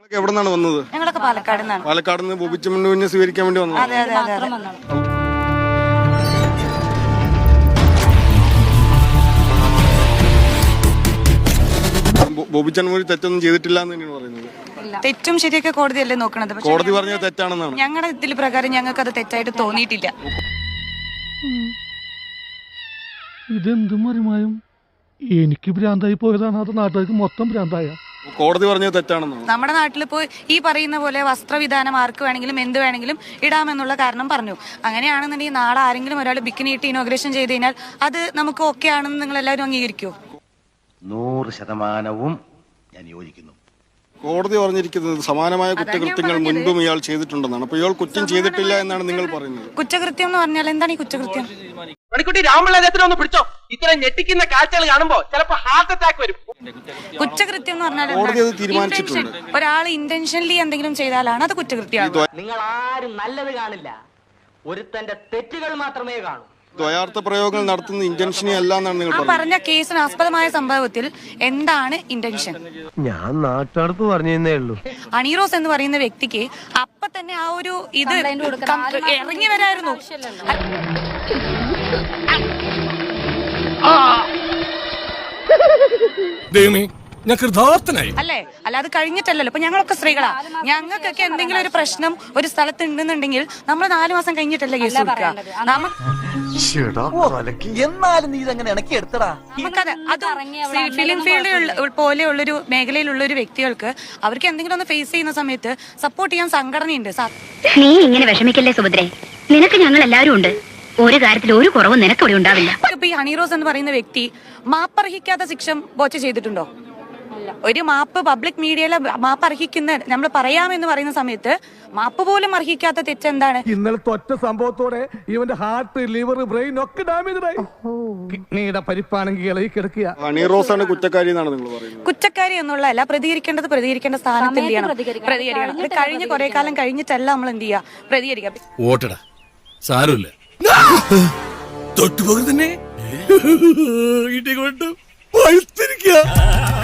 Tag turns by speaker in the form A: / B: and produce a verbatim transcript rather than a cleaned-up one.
A: എവിടെ നിന്നാണ് വന്നത്?
B: ഞങ്ങളൊക്കെ പാലക്കാട് നിന്നാണ്.
A: പാലക്കാട് നിന്ന് ബോബിച്ചമ്മനെ സ്വീകരിക്കാൻ വേണ്ടി വന്നത്.
B: അതെ അതെ അതെ.
A: ബോബിച്ചമ്മ തെറ്റൊന്നും ചെയ്തിട്ടില്ല എന്ന് തന്നെയാണ് പറയുന്നത്.
B: തെറ്റും ശരിയൊക്കെ കോടതിയല്ലേ നോക്കണത്.
A: കോടതി പറഞ്ഞത് തെറ്റാണെന്നാണ്.
B: ഞങ്ങളുടെ ഇതിൽ പ്രകാരം ഞങ്ങൾക്ക് അത് തെറ്റായിട്ട് തോന്നിയിട്ടില്ല.
C: ഇതെന്തും മറിമായും എനിക്ക് ഭ്രാന്തായി പോയതാണ്, അത് നാട്ടുകാർക്ക് മൊത്തം ഭ്രാന്തായ.
A: കോടതി പറഞ്ഞത് തെറ്റാണെന്നാണ്.
B: നമ്മുടെ നാട്ടിൽ ഇപ്പോൾ ഈ പറയുന്ന പോലെ വസ്ത്രവിധാനം ആർക്ക് വേണമെങ്കിലും എന്ത് വേണമെങ്കിലും ഇടാമെന്നുള്ള കാരണം പറഞ്ഞു. അങ്ങനെയാണെന്നുണ്ടെങ്കിൽ നാളെ ആരെങ്കിലും ഒരാൾ ബിക്കിനി ഇട്ട് ഇനോഗ്രേഷൻ ചെയ്ത് കഴിഞ്ഞാൽ അത് നമുക്ക് ഓക്കെ ആണെന്ന് നിങ്ങൾ എല്ലാവരും അംഗീകരിക്കുമോ?
D: നൂറ് ശതമാനവും ഞാൻ യോജിക്കുന്നു.
A: കോടതി പറഞ്ഞിരിക്കുന്നത് സമാനമായ കുറ്റകൃത്യങ്ങൾ മുൻപും ഇയാൾ ചെയ്തിട്ടുണ്ടെന്നാണ്. അപ്പൊ ഇയാൾ കുറ്റം ചെയ്തിട്ടില്ല എന്നാണ് നിങ്ങൾ പറയുന്നത്.
B: കുറ്റകൃത്യം എന്ന് പറഞ്ഞാൽ എന്താണ് ഈ കുറ്റകൃത്യം?
E: മണിക്കുട്ടി രാമളേഖത്തിനെ ഒന്ന് പിടിച്ചോ. ഇത്രയും ഞെട്ടിക്കുന്ന കാഴ്ചകൾ കാണുമ്പോ ചിലപ്പോ ഹാർട്ട് അറ്റാക്ക് വരും.
B: കുറ്റകൃത്യം എന്ന് പറഞ്ഞാൽ
A: കോടതി അത് തീരുമാനിച്ചിട്ടുണ്ട്.
B: ഒരാൾ ഇന്റൻഷനലി എന്തെങ്കിലും ചെയ്താലാണ് അത് കുറ്റകൃത്യമാണ്.
E: നിങ്ങൾ ആരും നല്ലത് കാണില്ല, ഒരുത്തന്റെ തെറ്റുകൾ മാത്രമേ കാണൂ.
A: ദ്വയാർത്ഥ പ്രയോഗങ്ങൾ നടത്തുന്ന ഇന്റൻഷനെ അല്ല എന്നാണ് നിങ്ങൾ
B: ആ പറഞ്ഞ കേസിന് ആസ്പദമായ സംഭവത്തിൽ എന്താണ് ഇന്റൻഷൻ?
D: ഞാൻ നാട്ടടുത്ത് പറഞ്ഞേ ഉള്ളൂ.
B: അണീറോസ് എന്ന് പറയുന്ന വ്യക്തിക്ക് അപ്പൊ തന്നെ ആ ഒരു ഇത് ഇറങ്ങി വരായിരുന്നു. അല്ലേ? അല്ല, അത് കഴിഞ്ഞിട്ടല്ലല്ലോ. ഇപ്പൊ ഞങ്ങളൊക്കെ സ്ത്രീകളാ. ഞങ്ങൾക്കൊക്കെ എന്തെങ്കിലും ഒരു പ്രശ്നം ഒരു സ്ഥലത്ത് ഉണ്ടെന്നുണ്ടെങ്കിൽ നമ്മൾ നാലു മാസം കഴിഞ്ഞിട്ടല്ലേ കേസ് കൊടുക്കുക.
E: എന്നാലും നീ ഇതെങ്ങനെ ഇണക്കി എടുത്തടാ?
B: നമുക്കത് അത് ഫിലിം ഫീൽഡ് പോലെയുള്ളൊരു മേഖലയിലുള്ള ഒരു വ്യക്തികൾക്ക് അവർക്ക് എന്തെങ്കിലും ഒന്ന് ഫേസ് ചെയ്യുന്ന സമയത്ത് സപ്പോർട്ട് ചെയ്യാൻ സംഘടനയുണ്ട്.
F: നീ ഇങ്ങനെ വിഷമിക്കല്ലേ സുഭദ്രേ, നിനക്ക് ഞങ്ങൾ എല്ലാവരും ഉണ്ട്. ഒരു കാര്യത്തിൽ ഒരു കുറവും നിനക്കവിടെ ഉണ്ടാവില്ല.
B: ഇപ്പൊ ഈ ഹണീറോസ് എന്ന് പറയുന്ന വ്യക്തി മാപ്പർഹിക്കാത്ത ശിക്ഷ ബോച്ച ചെയ്തിട്ടുണ്ടോ? ഒരു മാപ്പ് പബ്ലിക് മീഡിയയിൽ മാപ്പ് അർഹിക്കുന്ന നമ്മൾ പറയാമെന്ന് പറയുന്ന സമയത്ത് മാപ്പ് പോലും അർഹിക്കാത്ത തെറ്റെന്താണ്?
C: ഇന്നലത്തെ ഒറ്റ സംഭവത്തോടെ ഇവന്റെ ഹാർട്ട്, ലിവർ, ബ്രെയിൻ ഒക്കെ ഡാമേജായി. കിഡ്നിയുടെ പരിപ്പാണെങ്കിൽ ഇളകി കിടക്കുക.
A: അണീറോസാണ് കുറ്റക്കാരി എന്നാണ് നിങ്ങൾ പറയുന്നത്.
B: കുറ്റക്കാരി എന്നുള്ളതല്ല, പ്രതികരിക്കേണ്ടത് പ്രതികരിക്കേണ്ട സ്ഥാനത്ത് എന്ത് ചെയ്യണം? പ്രതികരിക്കണം. അത് കഴിഞ്ഞ് കുറെ കാലം കഴിഞ്ഞിട്ടല്ല നമ്മൾ എന്ത് ചെയ്യുക? പ്രതികരിക്കാം.
G: ഓട്ടടാ, സാരമില്ല. തൊട്ടുപോകെ തന്നെ ഇടി കൊണ്ട് പഴുത്തിരിക്കുക.